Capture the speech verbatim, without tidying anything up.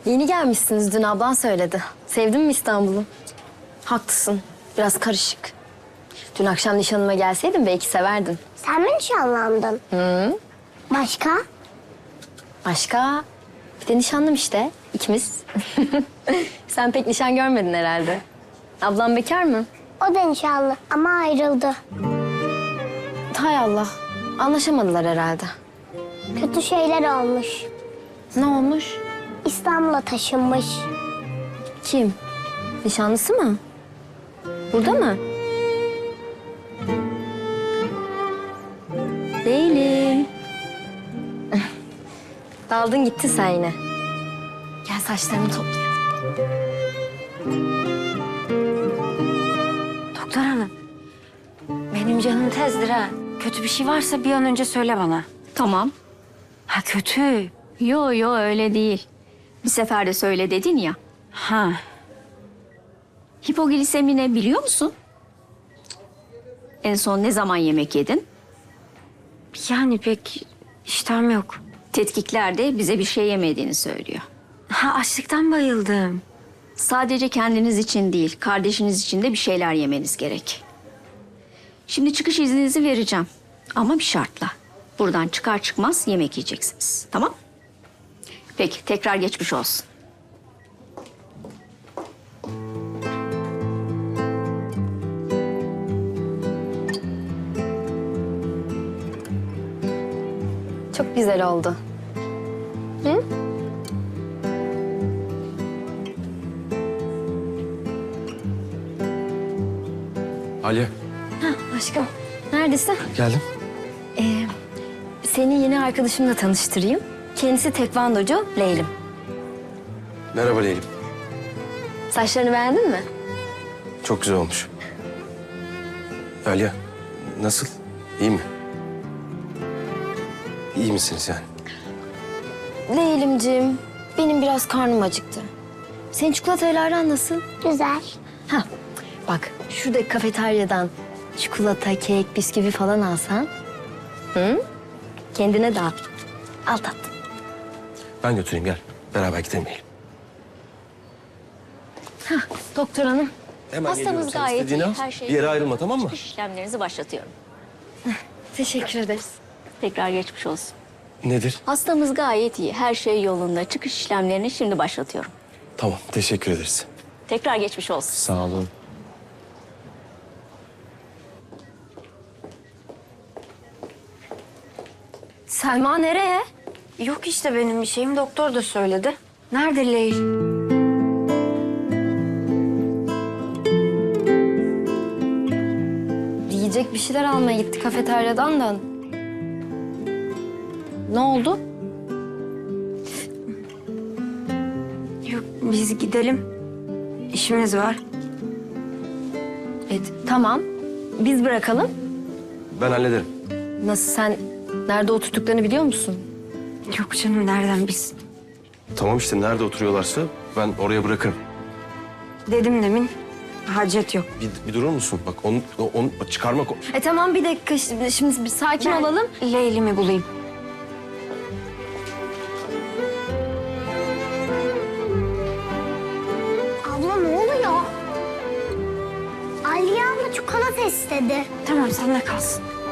Yeni gelmişsiniz, dün ablan söyledi. Sevdin mi İstanbul'u? Haklısın, biraz karışık. Dün akşam nişanıma gelseydin belki severdin. Sen mi nişanlandın? Hı? Başka? Başka? Bir de nişanlım işte, ikimiz. Sen pek nişan görmedin herhalde. Ablam bekar mı? O da nişanlı ama ayrıldı. Hay Allah, anlaşamadılar herhalde. Kötü şeyler olmuş. Ne olmuş? İstanbul'a taşınmış. Kim? Nişanlısı mı? Burada mı? Değilim. Daldın gitti sen yine. Gel saçlarını toplayalım. Doktor hanım, benim canım tezdir ha. Kötü bir şey varsa bir an önce söyle bana. Tamam. Ha kötü. Yo yo öyle değil. Bir sefer de söyle dedin ya. Ha, Hipoglisemi ne biliyor musun? En son ne zaman yemek yedin? yani pek iştahım yok. Tetkikler de bize bir şey yemediğini söylüyor. Ha açlıktan bayıldım. Sadece kendiniz için değil, kardeşiniz için de bir şeyler yemeniz gerek. Şimdi çıkış izninizi vereceğim. Ama bir şartla. Buradan çıkar çıkmaz yemek yiyeceksiniz. Tamam? Peki, tekrar geçmiş olsun. Çok güzel oldu. Hı? Aliye, Aşkım, neredesin? geldim. Ee, seni yeni arkadaşımla tanıştırayım. Kendisi tekvandocu Leylim. Merhaba Leylim. Saçlarını beğendin mi? Çok güzel olmuş. Aliye, nasıl? İyi mi? İyi misiniz yani? Leylimciğim, benim biraz karnım acıktı. Senin çikolatayla aran nasıl? Güzel. Ha, bak şurada kafeteryadan çikolata, kek, bisküvi falan alsan. Hı? Kendine dağıt. Al tat. Ben götüreyim gel. Beraber gidelim Leylim. Doktor hanım. Hemen Hastamız geliyorum. Sen gayet istediğini iyi, al. her şey Bir yere ayrılma, tamam mı? Çıkış işlemlerinizi başlatıyorum. Teşekkür ederiz. Tekrar geçmiş olsun. Nedir? Hastamız gayet iyi, her şey yolunda. Çıkış işlemlerini şimdi başlatıyorum. Tamam, teşekkür ederiz. Tekrar geçmiş olsun. Sağ olun. Selma nereye? Yok işte benim bir şeyim, doktor da söyledi. Nerede Leyl? Yiyecek bir şeyler almaya gitti kafeteryadan da. Ne oldu? Yok biz gidelim. İşimiz var. Evet, tamam. Biz bırakalım. Ben hallederim. Nasıl, sen nerede oturduklarını biliyor musun? Yok canım nereden biz? Tamam işte, nerede oturuyorlarsa ben oraya bırakırım. Dedim demin. Hacet yok. Bir, bir durur musun? Bak onu, onu çıkarmak... E tamam, bir dakika şimdi, şimdi bir sakin Ben olalım. Leyl'imi bulayım. Abla ne oluyor? Aliye abla çikolata istedi. Tamam sen de kalsın.